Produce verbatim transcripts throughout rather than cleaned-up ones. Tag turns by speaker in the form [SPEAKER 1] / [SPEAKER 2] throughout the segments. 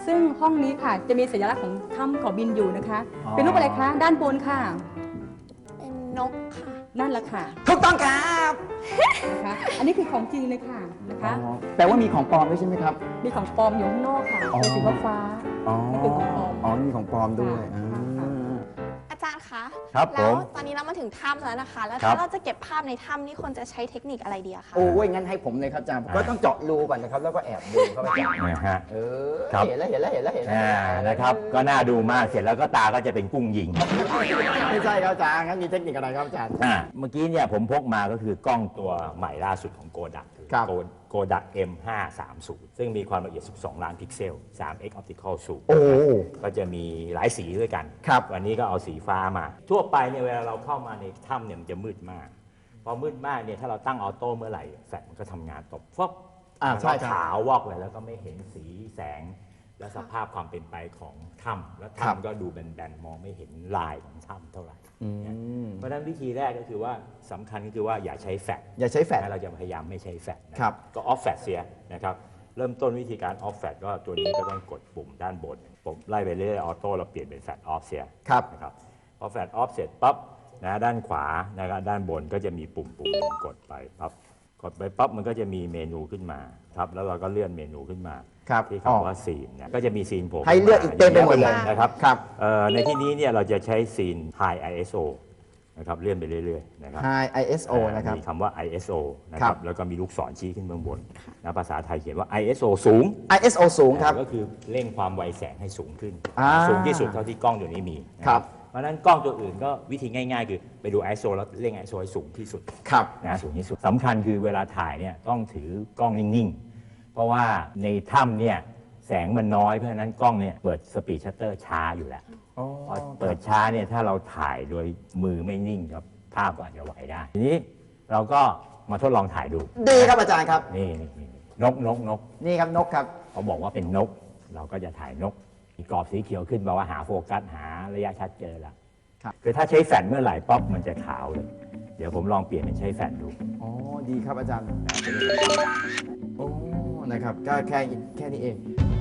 [SPEAKER 1] ซึ่งห้องนี้ค่ะจะมีสัญลักษณ์ของถ้ำเขาบินอยู่นะคะ เป็นรูปอะไรคะด้านบนค่ะ
[SPEAKER 2] เป็นนกค่ะ
[SPEAKER 1] นั่นแหละค่ะ
[SPEAKER 3] ถูกต้องครับ
[SPEAKER 1] นะคะอันนี้คือของจริงเลยค่ะนะคะ
[SPEAKER 3] แต่ว่ามีของปลอมด้วยใช่ไหมครับ
[SPEAKER 1] มีของปลอมอยู่ข้างนอกค่ะเป็นสีฟ้า
[SPEAKER 3] อ๋อ
[SPEAKER 1] คือของปลอม
[SPEAKER 3] อ๋อมีของปลอมด้วย
[SPEAKER 2] อาจารย์คะ
[SPEAKER 4] ครับผ
[SPEAKER 2] แล้ว
[SPEAKER 4] ม
[SPEAKER 2] ตอนนี้เรามาถึงถ้ำแล้วนะคะแล้ว
[SPEAKER 4] ครั
[SPEAKER 2] ถ้า
[SPEAKER 4] บ
[SPEAKER 2] เราจะเก็บภาพในถ้ำนี่ควรจะใช้เทคนิคอะไรดีอะคะ
[SPEAKER 3] โอ้ยงั้นให้ผมเลยครับอาจารย์ก็ต้องเจาะรูก่อนนะครับแล้วก็แอบดูเข้าไปจับ
[SPEAKER 4] นะฮะ
[SPEAKER 3] เออ
[SPEAKER 4] ครับ
[SPEAKER 3] เห็นแล้วเห็นแล้วเห็นแล้วเห็นแล้ว
[SPEAKER 4] อ่านะครับก็น่าดูมากเสร็จแล้วก็ตาก็จะเป็นกุ้งยิง
[SPEAKER 3] ไม่ใช่ครับอาจารย์งั้นมีเทคนิคอะไรครับอาจารย์
[SPEAKER 4] อ่าเมื่อกี้เนี่ยผมพกมาก็คือกล้องตัวใหม่ล่าสุดของโกดัก
[SPEAKER 3] ครับ
[SPEAKER 4] โกดัก เอ็ม ห้าสามศูนย์ ซึ่งมีความละเอียดสิบสองล้านพิกเซล ทรี เอ็กซ์ Optical Zoom
[SPEAKER 3] โอ้
[SPEAKER 4] ก็จะมีหลายสีด้วยกัน
[SPEAKER 3] ครับ
[SPEAKER 4] วันนี้ก็เอาสีฟ้ามา ทั่วไปเนี่ยเวลาเราเข้ามาในถ้ำเนี่ยมันจะมืดมาก พอมืดมากเนี่ยถ้าเราตั้งออโต้เมื่อไหร่แฟลชมันก็ทำงานตบฟบ
[SPEAKER 3] อ่าใช่ครับ
[SPEAKER 4] ขาววอกเลยแล้วก็ไม่เห็นสีแสงและสภาพความเป็นไปของถ้ำแล้วถ้ำก็ดูแบนๆมองไม่เห็นลายของถ้ำเท่าไหร่เพราะฉะนั้นวิธีแรกก็คือว่าสำคัญก็คือว่าอย่าใช้แฟลช
[SPEAKER 3] อย่าใช้แฟลช
[SPEAKER 4] เราจะพยายามไม่ใช้แฟลชนะครับก็ออฟแฟลชเสียนะครับเริ่มต้นวิธีการออฟแฟลชก็ตัวนี้ก็ต้องกดปุ่มด้านบนผมไล่ไปเรื่อยๆออโต้เราเปลี่ยนเป็นแฟลชออฟเสียนะครับพอแฟลชออฟเสร็จปั๊บนะด้านขวานะครับด้านบนก็จะมีปุ่มปุ่มหนึ่งกดไปปั๊บกดไปปั๊บมันก็จะมีเมนูขึ้นมาครับแล้วเราก็เลื่อนเมนูขึ้นมาที่คำว่าซีนเนี่ยก็จะมีซีนผม
[SPEAKER 3] ให้เลือกอีกเต็มไปหมดเลย
[SPEAKER 4] นะครับ
[SPEAKER 3] ครับ
[SPEAKER 4] ในที่นี้เนี่ยเราจะใช้ซีน High ไอ เอส โอ นะครับเลื่อนไปเรื่อยๆนะครับ
[SPEAKER 3] High ไอ เอส โอ นะครับ
[SPEAKER 4] มีคำว่า ไอ เอส โอ นะครับแล้วก็มีลูกศรชี้ขึ้นเบื้องบนนะภาษาไทยเขียนว่า ไอ เอส โอ สูง
[SPEAKER 3] ไอ เอส โอ สูงครับ
[SPEAKER 4] ก็คือเร่งความไวแสงให้สูงขึ้น
[SPEAKER 3] อ่า
[SPEAKER 4] สูงที่สุดเท่าที่กล้องตัวนี้มี
[SPEAKER 3] ครับ
[SPEAKER 4] เพราะฉะนั้นกล้องตัวอื่นก็วิธีง่ายๆ คือไปดู ไอ เอส โอ แล้วเร่ง ไอ เอส โอ ให้สูงที่สุด
[SPEAKER 3] ครับ
[SPEAKER 4] นะสูงที่สุดสำคัญคือเวลาถ่ายเนี่ยต้องถือกล้องนิ่งๆเพราะว่าในถ้ำเนี่ยแสงมันน้อยเพราะฉะนั้นกล้องเนี่ยเปิดสปีดชัตเตอร์ช้าอยู่แล้วพอเปิดช้าเนี่ยถ้าเราถ่ายโดยมือไม่นิ่งครับภาพก็อาจจะไหวได้ทีนี้เราก็มาทดลองถ่ายดู
[SPEAKER 3] ดีครับอาจารย์ครับ
[SPEAKER 4] นี่นี่นกนกนก
[SPEAKER 3] นี่ครับนกครับ
[SPEAKER 4] เขาบอกว่าเป็นนกเราก็จะถ่ายนกมีกรอบสีเขียวขึ้นบอกว่าหาโฟกัสหาระยะชัดเจอแล้วคือถ้าใช้แฟลชเมื่อไหร่ป๊อปมันจะขาวเลยเดี๋ยวผมลองเปลี่ยนเป็นใช้แฟลชดู
[SPEAKER 3] อ๋อดีครับอาจารย์โอ้นะครับก็แค่แค่นี้เอง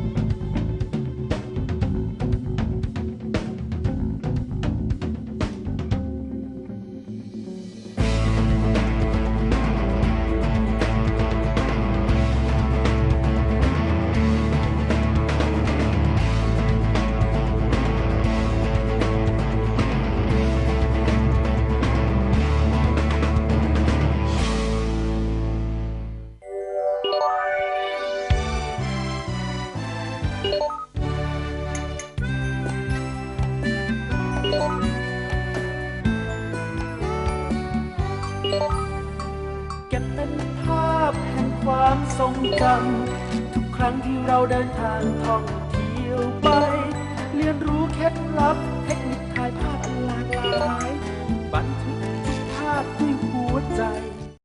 [SPEAKER 5] เก็บเป็นภาพแห่งความทรงจำทุกครั้งที่เราเดินทางท่องเที่ยวไปเรียนรู้เคล็ดลับเทคนิคถ่ายภาพอันหลากหลายบันทึกทุกภาพด้วยหัวใจ